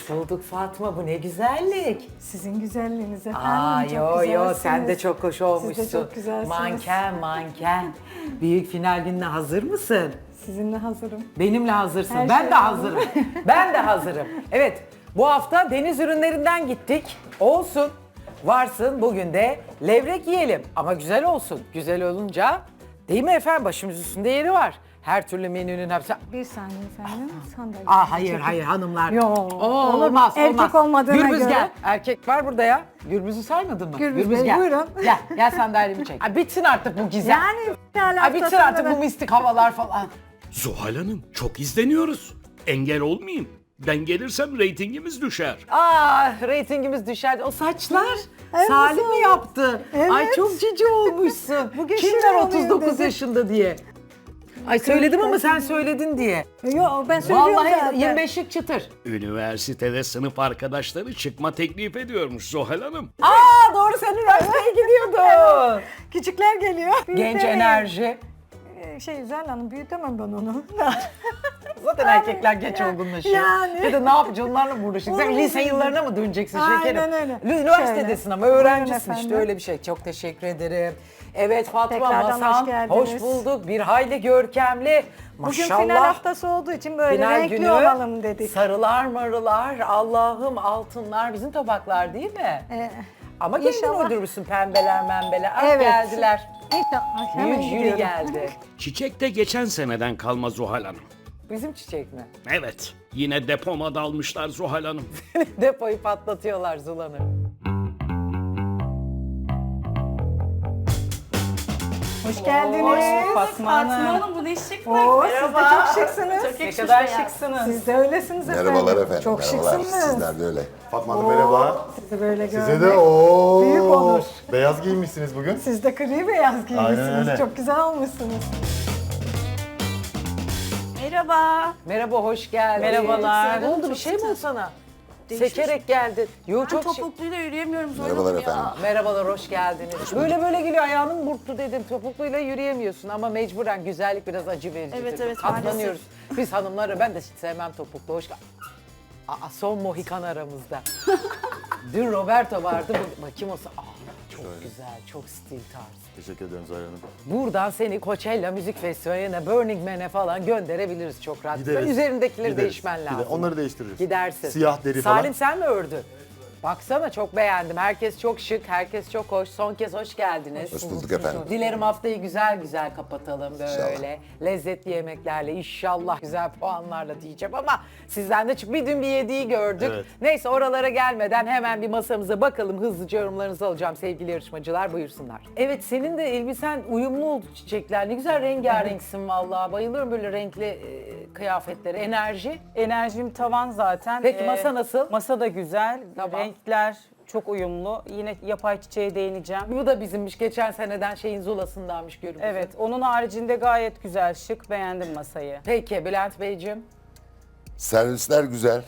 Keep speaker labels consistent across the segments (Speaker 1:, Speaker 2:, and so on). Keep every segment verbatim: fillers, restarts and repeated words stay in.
Speaker 1: Hoş bulduk Fatma, bu ne güzellik.
Speaker 2: Sizin güzelliğiniz efendim.
Speaker 1: Aa
Speaker 2: çok
Speaker 1: yo yo
Speaker 2: güzelsiniz.
Speaker 1: sen de çok hoş olmuşsun.
Speaker 2: Siz de çok güzelsiniz.
Speaker 1: Manken manken. Büyük final gününe hazır mısın?
Speaker 2: Sizinle hazırım.
Speaker 1: Benimle hazırsın.
Speaker 2: Her
Speaker 1: ben
Speaker 2: şey
Speaker 1: de
Speaker 2: hazır.
Speaker 1: hazırım. Ben de hazırım. Evet, bu hafta deniz ürünlerinden gittik. Olsun. Varsın, bugün de levrek yiyelim. Ama güzel olsun. Güzel olunca, değil mi efendim? Başımız üstünde yeri var. Her türlü menünün hepsi...
Speaker 2: Bir saniye efendim. Sandalye.
Speaker 1: Aa hayır hayır hanımlar.
Speaker 2: Yo,
Speaker 1: Oo,
Speaker 2: olur.
Speaker 1: olmaz
Speaker 2: Erkek
Speaker 1: olmaz.
Speaker 2: olmadığına
Speaker 1: Gürbüz
Speaker 2: göre.
Speaker 1: gel. Erkek var burada ya. Gürbüz'ü saymadın mı?
Speaker 2: Gürbüz Bey,
Speaker 1: gel.
Speaker 2: buyurun.
Speaker 1: Gel gel sandalyemi çek. Ha, bitsin artık bu gizem.
Speaker 2: Yani final
Speaker 1: Ha, bitsin
Speaker 2: haftasında
Speaker 1: artık
Speaker 2: ben-
Speaker 1: bu mistik havalar falan.
Speaker 3: Zuhal Hanım çok izleniyoruz. Engel olmayayım. Ben gelirsem reytingimiz düşer.
Speaker 1: Aa reytingimiz düşer. O saçlar
Speaker 2: Evet,
Speaker 1: Salim mi
Speaker 2: Salim.
Speaker 1: yaptı?
Speaker 2: Evet.
Speaker 1: Ay çok cici olmuşsun.
Speaker 2: Bugün
Speaker 1: Kimler
Speaker 2: şirin oluyor
Speaker 1: otuz dokuz
Speaker 2: dedi.
Speaker 1: yaşında diye. Ay söyledim ama sen söyledin diye.
Speaker 2: Yo ben söylüyorum
Speaker 1: Vallahi
Speaker 2: zaten.
Speaker 1: yirmi beşlik çıtır.
Speaker 3: Üniversitede sınıf arkadaşları çıkma teklif ediyormuş Zuhal Hanım.
Speaker 1: Aa doğru sen üniversiteye gidiyordun.
Speaker 2: Küçükler geliyor.
Speaker 1: Genç
Speaker 2: büyükler-
Speaker 1: enerji.
Speaker 2: Ee, Şey Güzel Hanım büyütemem ben onu.
Speaker 1: Zaten erkekler geç olgunlaşıyor.
Speaker 2: yani.
Speaker 1: Bir de ne yapacaksın onlarla mı uğraşacaksın? Sen
Speaker 2: Onun
Speaker 1: lise
Speaker 2: için.
Speaker 1: yıllarına mı döneceksin
Speaker 2: Aynen
Speaker 1: şekerim?
Speaker 2: öyle.
Speaker 1: Üniversitedesin ama
Speaker 2: Şöyle.
Speaker 1: öğrencisin
Speaker 2: Buyurun
Speaker 1: işte
Speaker 2: efendim.
Speaker 1: öyle bir şey. Çok teşekkür ederim. Evet Fatma
Speaker 2: Tekrardan
Speaker 1: Masan,
Speaker 2: hoş geldiniz.
Speaker 1: hoş bulduk. Bir hayli görkemli.
Speaker 2: Bugün
Speaker 1: Maşallah.
Speaker 2: final haftası olduğu için böyle
Speaker 1: Final
Speaker 2: renkli
Speaker 1: günü,
Speaker 2: olalım dedik.
Speaker 1: sarılar marılar, Allah'ım altınlar bizim tabaklar değil mi?
Speaker 2: Ee,
Speaker 1: Ama kendin
Speaker 2: inşallah.
Speaker 1: uydurmuşsun pembeler membeler. Ah
Speaker 2: Evet.
Speaker 1: geldiler.
Speaker 2: İnşallah. Hemen
Speaker 1: Büyük jüri
Speaker 2: gidiyorum.
Speaker 1: geldi.
Speaker 3: Çiçek de geçen seneden kalma Zuhal Hanım.
Speaker 1: Bizim çiçek mi?
Speaker 3: Evet, yine depoma dalmışlar Zuhal Hanım.
Speaker 1: Depoyu patlatıyorlar Zulan'ı.
Speaker 2: Hoş geldiniz.
Speaker 1: Hoş
Speaker 4: Fatma Hanım bu ne şık mı?
Speaker 2: Oo, siz de çok şıksınız.
Speaker 4: Çok yakışmış ne kadar şıksınız.
Speaker 2: Siz de öylesiniz efendim.
Speaker 5: Merhabalar efendim.
Speaker 2: Çok
Speaker 5: merhabalar.
Speaker 2: şıksınız.
Speaker 5: Sizler de öyle.
Speaker 6: Fatma Hanım merhaba.
Speaker 2: Sizi böyle görmek.
Speaker 6: Size de o
Speaker 2: Büyük onur.
Speaker 6: Beyaz giymişsiniz bugün.
Speaker 2: Siz de gri beyaz giymişsiniz.
Speaker 6: öyle.
Speaker 2: Çok güzel olmuşsunuz.
Speaker 4: Merhaba.
Speaker 1: Merhaba, hoş geldin.
Speaker 4: Merhabalar.
Speaker 1: Ne oldu, bir
Speaker 4: Çok
Speaker 1: şey mi oldu
Speaker 4: sıcak.
Speaker 1: sana?
Speaker 4: Değişmiş.
Speaker 1: Sekerek geldin. Yo,
Speaker 4: Ben
Speaker 1: çok şey-
Speaker 4: topukluyla yürüyemiyorum zor
Speaker 5: Merhabalar
Speaker 4: oluyor.
Speaker 5: efendim.
Speaker 1: Merhabalar, hoş geldiniz. Böyle böyle geliyor, ayağının burktu dedim. Topukluyla yürüyemiyorsun ama mecburen güzellik biraz acı verici.
Speaker 4: Evet,
Speaker 1: tabii.
Speaker 4: evet,
Speaker 1: Katlanıyoruz. Biz hanımları, ben de hiç sevmem topuklu. Hoş geldin. Aa, son Mohikan aramızda. Dün Roberto vardı. Bu, bakayım olsa. Aa, çok güzel, çok stil tarzı.
Speaker 6: Teşekkür ederim Zuhal Hanım.
Speaker 1: Buradan seni Coachella Müzik Festivali'ne, Burning Man'e falan gönderebiliriz çok rahat.
Speaker 6: Gideriz.
Speaker 1: Üzerindekileri
Speaker 6: Gideriz.
Speaker 1: değişmen
Speaker 6: Gider-
Speaker 1: lazım.
Speaker 6: Onları değiştiririz.
Speaker 1: Gidersin.
Speaker 6: Siyah deri
Speaker 1: Salim
Speaker 6: falan.
Speaker 1: sen mi ördün? Baksana çok beğendim. Herkes çok şık, herkes çok hoş. Son kez hoş geldiniz.
Speaker 5: Hoş bulduk efendim.
Speaker 1: Dilerim haftayı güzel güzel kapatalım böyle. Lezzetli yemeklerle, inşallah güzel puanlarla diyeceğim ama sizden de çık. Bir dün bir yediği gördük.
Speaker 6: Evet.
Speaker 1: Neyse oralara gelmeden hemen bir masamıza bakalım. Hızlıca yorumlarınızı alacağım sevgili yarışmacılar. Buyursunlar. Evet senin de elbisen uyumlu oldu çiçekler. Ne güzel rengarenksin vallahi. Bayılıyorum böyle renkli e, kıyafetlere. Enerji.
Speaker 7: Enerjim tavan zaten.
Speaker 1: Peki
Speaker 7: Ee,
Speaker 1: masa nasıl?
Speaker 7: Masa da güzel.
Speaker 1: Tamam.
Speaker 7: Renkler çok uyumlu. Yine yapay çiçeğe değineceğim.
Speaker 1: Bu da bizimmiş. Geçen seneden şeyin zulasındanmış görünüyor.
Speaker 7: Evet, onun haricinde gayet güzel, şık. Beğendim masayı.
Speaker 1: Peki Bülent Beyciğim.
Speaker 5: Servisler güzel.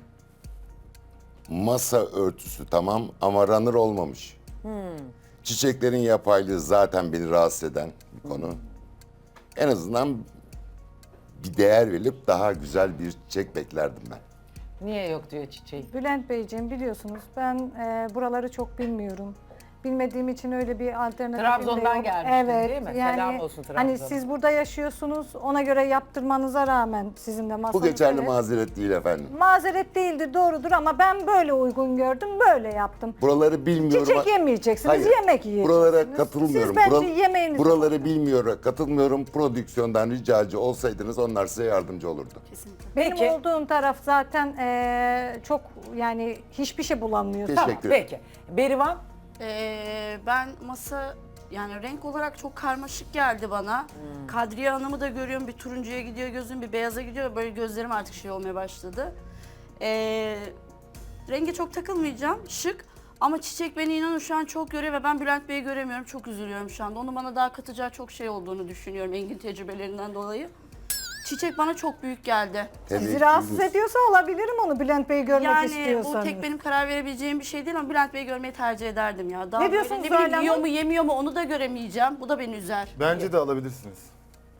Speaker 5: Masa örtüsü tamam ama runner olmamış. Çiçeklerin yapaylığı zaten beni rahatsız eden bir konu. En azından bir değer verilip daha güzel bir çiçek beklerdim ben.
Speaker 1: Niye yok diyor çiçeği.
Speaker 2: Bülent Beyciğim biliyorsunuz ben e, buraları çok bilmiyorum. Bilmediğim için öyle bir alternatif
Speaker 1: Trabzon'dan gelmiştin,
Speaker 2: evet,
Speaker 1: değil mi?
Speaker 2: Yani,
Speaker 1: Selam olsun
Speaker 2: Hani
Speaker 1: Trabzon'a.
Speaker 2: siz burada yaşıyorsunuz ona göre yaptırmanıza rağmen sizin de masanız.
Speaker 5: Bu geçerli
Speaker 2: evet.
Speaker 5: mazeret değil efendim.
Speaker 2: Mazeret değildir doğrudur ama ben böyle uygun gördüm böyle yaptım.
Speaker 5: Buraları bilmiyorum.
Speaker 2: Çiçek yemeyeceksiniz,
Speaker 5: Hayır,
Speaker 2: yemek yiyeceksiniz.
Speaker 5: Buralara katılmıyorum.
Speaker 2: Siz bence
Speaker 5: Bural-
Speaker 2: yemeğinizi
Speaker 5: Buraları bilmiyorum, katılmıyorum. Prodüksiyondan ricacı olsaydınız onlar size yardımcı olurdu.
Speaker 2: Benim
Speaker 1: Peki.
Speaker 2: olduğum taraf zaten eee, çok yani hiçbir şey bulamıyorsun.
Speaker 5: Teşekkür
Speaker 1: Tamam
Speaker 5: ederim.
Speaker 1: peki. Berivan.
Speaker 4: Ee, ben masa yani renk olarak çok karmaşık geldi bana.
Speaker 1: Hmm.
Speaker 4: Kadriye Hanım'ı da görüyorum. Bir turuncuya gidiyor gözüm, bir beyaza gidiyor. Böyle gözlerim artık şey olmaya başladı. Ee, renge çok takılmayacağım. Şık. Ama çiçek beni inanın şu an çok görüyor ve ben Bülent Bey'i göremiyorum. Çok üzülüyorum şu anda. Onun bana daha katacağı çok şey olduğunu düşünüyorum Engin tecrübelerinden dolayı. Çiçek bana çok büyük geldi.
Speaker 2: Sizi rahatsız ediyorsa alabilirim onu Bülent Bey'i görmek
Speaker 4: Yani
Speaker 2: istiyorsanız.
Speaker 4: bu tek benim karar verebileceğim bir şey değil ama Bülent Bey'i görmeyi tercih ederdim ya. Daha
Speaker 2: Ne
Speaker 4: böyle
Speaker 2: diyorsunuz
Speaker 4: ne bileyim,
Speaker 2: Zuhal
Speaker 4: yiyor
Speaker 2: Hanım?
Speaker 4: mu yemiyor mu onu da göremeyeceğim. Bu da beni üzer.
Speaker 6: Bence de alabilirsiniz.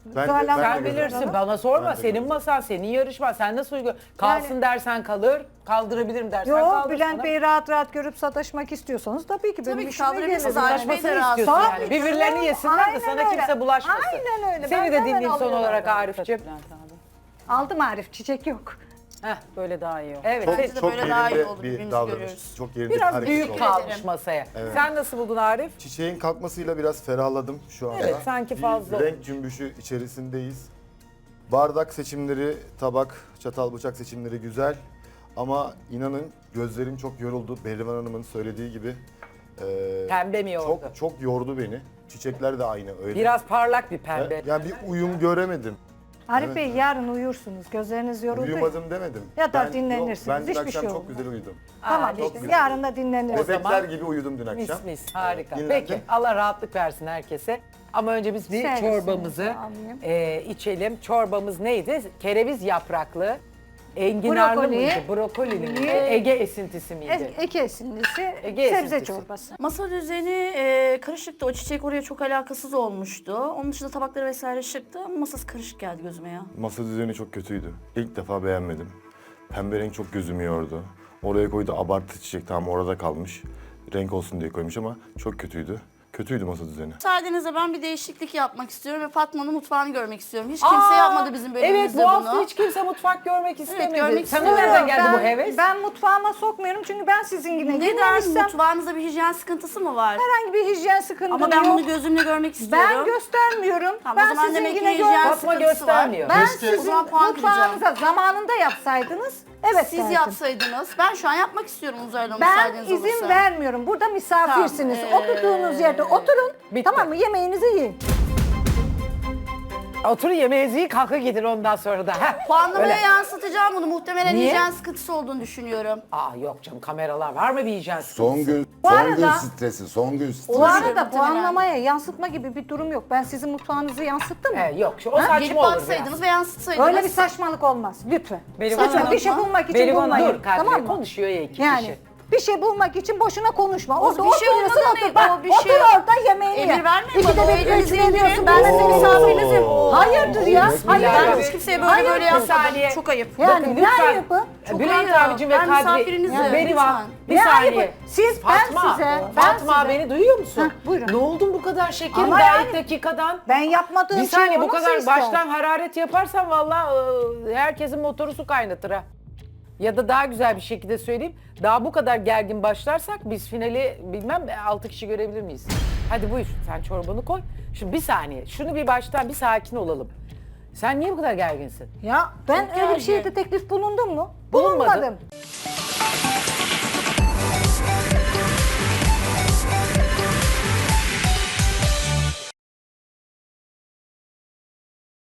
Speaker 6: Ben-
Speaker 2: Zuhal
Speaker 6: ben-
Speaker 2: Hanım-
Speaker 1: Sen bilirsin, bana sorma.
Speaker 6: Ben de
Speaker 1: Senin masan, senin yarışman. Sen nasıl uygun? Kalsın dersen kalır, kaldırabilirim dersen
Speaker 2: Yo,
Speaker 1: kaldır.
Speaker 2: Bülent
Speaker 1: sana.
Speaker 2: Bey rahat rahat görüp sataşmak istiyorsanız tabii ki benim
Speaker 4: Tabii ki
Speaker 2: işime
Speaker 4: kaldırabilirsiniz.
Speaker 2: gelir.
Speaker 4: Arif Bey de
Speaker 1: Sataşmasını
Speaker 4: razı.
Speaker 1: istiyorsun
Speaker 2: Tabii
Speaker 1: yani.
Speaker 2: canım.
Speaker 1: Birbirlerini yesinler de
Speaker 2: Aynen
Speaker 1: sana
Speaker 2: öyle.
Speaker 1: kimse bulaşmasın.
Speaker 2: Aynen öyle.
Speaker 1: Seni
Speaker 2: Ben
Speaker 1: de
Speaker 2: hemen
Speaker 1: dinleyeyim son
Speaker 2: alıyorum.
Speaker 1: olarak Arif'ciğim.
Speaker 7: Bülent abi.
Speaker 2: Aldım Arif, çiçek yok.
Speaker 1: Heh,
Speaker 7: Böyle daha iyi o.
Speaker 1: evet.
Speaker 6: Çok,
Speaker 1: sen-
Speaker 4: Bence de
Speaker 6: çok
Speaker 4: böyle daha iyi
Speaker 6: yerinde
Speaker 4: oldu,
Speaker 6: bir
Speaker 4: birbirimizi
Speaker 6: davranış.
Speaker 4: görüyoruz.
Speaker 6: Çok yerinde bir
Speaker 1: Biraz
Speaker 6: hareket
Speaker 1: büyük
Speaker 6: oldu.
Speaker 1: kalmış
Speaker 4: ederim.
Speaker 1: masaya. Sen nasıl buldun Arif?
Speaker 6: Çiçeğin kalkmasıyla biraz ferahladım şu anda.
Speaker 1: Evet, sanki
Speaker 6: Bir
Speaker 1: fazla
Speaker 6: renk cümbüşü içerisindeyiz. Bardak seçimleri, tabak, çatal, bıçak seçimleri güzel. Ama inanın gözlerim çok yoruldu. Behrivan Hanım'ın söylediği gibi. Ee,
Speaker 1: Pembe mi yordu?
Speaker 6: Çok çok yordu beni. Çiçekler de aynı öyle.
Speaker 1: Biraz parlak bir pembe.
Speaker 6: Yani bir uyum göremedim.
Speaker 2: Arif
Speaker 6: Evet.
Speaker 2: Bey yarın uyursunuz, gözleriniz yoruldu.
Speaker 6: Uyumadım demedim.
Speaker 2: Ya da
Speaker 6: Ben-
Speaker 2: dinlenirsiniz,
Speaker 6: yok, Ben dün
Speaker 2: hiçbir
Speaker 6: akşam
Speaker 2: şey
Speaker 6: çok
Speaker 2: olmaz.
Speaker 6: güzel uyudum.
Speaker 2: Tamam
Speaker 1: Aa,
Speaker 2: işte,
Speaker 6: güzel.
Speaker 2: yarın da dinleniriz.
Speaker 1: zaman-
Speaker 6: Bebekler gibi uyudum dün akşam.
Speaker 1: Mis mis, harika.
Speaker 6: Evet,
Speaker 1: Peki,
Speaker 6: dinlendim.
Speaker 1: Allah rahatlık versin herkese. Ama önce biz bir
Speaker 2: Servisini
Speaker 1: çorbamızı
Speaker 2: alayım.
Speaker 1: e, içelim. Çorbamız neydi? Kereviz yapraklı, enginarlı
Speaker 2: Brokoli.
Speaker 1: mıydı? Brokolili miydi?
Speaker 2: Ee,
Speaker 1: Ege esintisi miydi?
Speaker 2: E- Eke esintisi,
Speaker 1: Ege
Speaker 2: sebze
Speaker 1: esintisi.
Speaker 2: çorbası.
Speaker 4: Masa düzeni e, karışıktı. O çiçek oraya çok alakasız olmuştu. Onun dışında tabakları vesaire şıktı ama masası karışık geldi gözüme ya.
Speaker 6: Masa düzeni çok kötüydü. İlk defa beğenmedim. Pembe renk çok gözümü yordu. Oraya koydu abartı çiçek, tamam orada kalmış. Renk olsun diye koymuş ama çok kötüydü. Kötüydü masa düzeni.
Speaker 4: Müsaadenizle ben bir değişiklik yapmak istiyorum ve Fatma'nın mutfağını görmek istiyorum. Hiç kimse
Speaker 1: Aa,
Speaker 4: yapmadı bizim
Speaker 1: Evet,
Speaker 4: bölümümüzde
Speaker 1: bu hafta
Speaker 4: bunu.
Speaker 1: hiç kimse mutfak görmek istemedi.
Speaker 4: görmek
Speaker 1: Sana
Speaker 4: istiyorum.
Speaker 1: nereden geldi
Speaker 2: ben,
Speaker 1: bu heves?
Speaker 2: Ben mutfağıma sokmuyorum çünkü ben sizinkine
Speaker 4: Neden?
Speaker 2: girmemişsem
Speaker 4: Mutfağınızda bir hijyen sıkıntısı mı var?
Speaker 2: herhangi bir hijyen sıkıntım
Speaker 4: Ama ben
Speaker 2: yok.
Speaker 4: bunu gözümle görmek istiyorum.
Speaker 2: Ben göstermiyorum.
Speaker 4: Tamam, o
Speaker 2: ben
Speaker 4: zaman demek ki
Speaker 2: sizinkine
Speaker 4: hijyen
Speaker 2: gör.
Speaker 1: Fatma
Speaker 4: sıkıntısı
Speaker 1: göstermiyor.
Speaker 4: var.
Speaker 2: Ben
Speaker 6: Keşke-
Speaker 2: sizin
Speaker 4: O zaman puan
Speaker 2: mutfağınıza zamanında yapsaydınız. Evet
Speaker 4: Siz
Speaker 2: derdim.
Speaker 4: yapsaydınız. Ben şu an yapmak istiyorum Uzaylı
Speaker 2: Ben
Speaker 4: müsaadeniz
Speaker 2: izin
Speaker 4: olursa.
Speaker 2: vermiyorum. Burada misafirsiniz.
Speaker 4: Tamam, ee,
Speaker 2: Oturduğunuz yerde oturun.
Speaker 1: bitti.
Speaker 2: Tamam mı? Yemeğinizi yiyin.
Speaker 1: Oturun yemeğinizi yiyin, kalka gidin ondan sonra da. Heh,
Speaker 4: Puanlamaya
Speaker 1: öyle.
Speaker 4: yansıtacağım bunu. Muhtemelen
Speaker 1: Niye?
Speaker 4: hijyen sıkıntısı olduğunu düşünüyorum.
Speaker 1: Aa yok canım, kameralar var mı bir hijyen sıkıntısı?
Speaker 5: Son gün,
Speaker 2: Bu
Speaker 5: son
Speaker 2: arada-
Speaker 5: gün stresi, son gün stresi.
Speaker 2: Bu arada
Speaker 4: muhtemelen.
Speaker 2: puanlamaya yansıtma gibi bir durum yok. Ben sizin mutfağınızı yansıttım mı?
Speaker 1: He, yok, şu, o
Speaker 4: Gelip
Speaker 1: saçma olur
Speaker 4: baksaydınız
Speaker 1: biraz.
Speaker 4: ve yansıtsaydınız.
Speaker 2: Öyle bir saçmalık olmaz. Lütfen.
Speaker 7: Berivan
Speaker 2: Lütfen
Speaker 7: Hanım
Speaker 2: bir şey
Speaker 4: mı?
Speaker 2: bulmak için
Speaker 1: Berivan
Speaker 2: bulmayın.
Speaker 1: dur Kadriye,
Speaker 2: Tamam mı?
Speaker 1: konuşuyor ya iki
Speaker 2: Yani
Speaker 1: kişi.
Speaker 2: bir şey bulmak için boşuna konuşma. Orada
Speaker 4: bir şey
Speaker 2: oturuyorsun,
Speaker 4: olmadan
Speaker 2: otur.
Speaker 4: değil,
Speaker 2: Bak,
Speaker 4: o bir
Speaker 2: otur
Speaker 4: şey-
Speaker 2: orada yemeğini ye.
Speaker 4: Emir vermeyin
Speaker 2: İkide
Speaker 4: bana, o
Speaker 2: bir
Speaker 4: elinizi
Speaker 2: üç
Speaker 4: indirin.
Speaker 2: veriyorsun.
Speaker 4: Ben de
Speaker 2: Oo.
Speaker 4: senin misafirinizim.
Speaker 2: Hayırdır ya? Hayır.
Speaker 4: Ben
Speaker 1: Evet.
Speaker 4: hiç kimseye böyle
Speaker 2: Hayır,
Speaker 4: böyle
Speaker 2: bir
Speaker 4: yapmadım.
Speaker 1: saniye.
Speaker 4: Çok ayıp.
Speaker 2: Yani
Speaker 1: Bakın
Speaker 2: ne
Speaker 1: lütfen.
Speaker 2: ayıbı?
Speaker 4: Çok
Speaker 1: Bülent
Speaker 4: ayıp.
Speaker 1: abicim ve
Speaker 4: Ben
Speaker 1: Kadri,
Speaker 4: misafirinizim,
Speaker 1: Berivan,
Speaker 4: lütfen.
Speaker 1: bir
Speaker 2: Ne
Speaker 1: saniye.
Speaker 2: ayıbı? Siz, ben
Speaker 1: Fatma,
Speaker 2: size, ben
Speaker 1: Fatma
Speaker 2: size.
Speaker 1: beni duyuyor musun?
Speaker 2: Heh, buyurun.
Speaker 1: Ne oldun bu kadar şekerim
Speaker 2: Ama
Speaker 1: daha
Speaker 2: yani-
Speaker 1: ilk dakikadan?
Speaker 2: Ben yapmadığım
Speaker 1: Bir
Speaker 2: şey
Speaker 1: saniye bu
Speaker 2: o nasıl
Speaker 1: kadar
Speaker 2: ister?
Speaker 1: baştan hararet yaparsan vallahi e, herkesin motoru su kaynatır ha. Ya da daha güzel bir şekilde söyleyeyim. Daha bu kadar gergin başlarsak biz finali bilmem altı kişi görebilir miyiz? Hadi buyur sen çorbanı koy. Şimdi bir saniye şunu bir baştan bir sakin olalım. Sen niye bu kadar gerginsin?
Speaker 2: Ya ben
Speaker 4: Çok
Speaker 2: öyle bir
Speaker 4: gergin.
Speaker 2: şeyde teklif bulundum mu?
Speaker 1: Bulunmadın.
Speaker 2: Bulunmadım.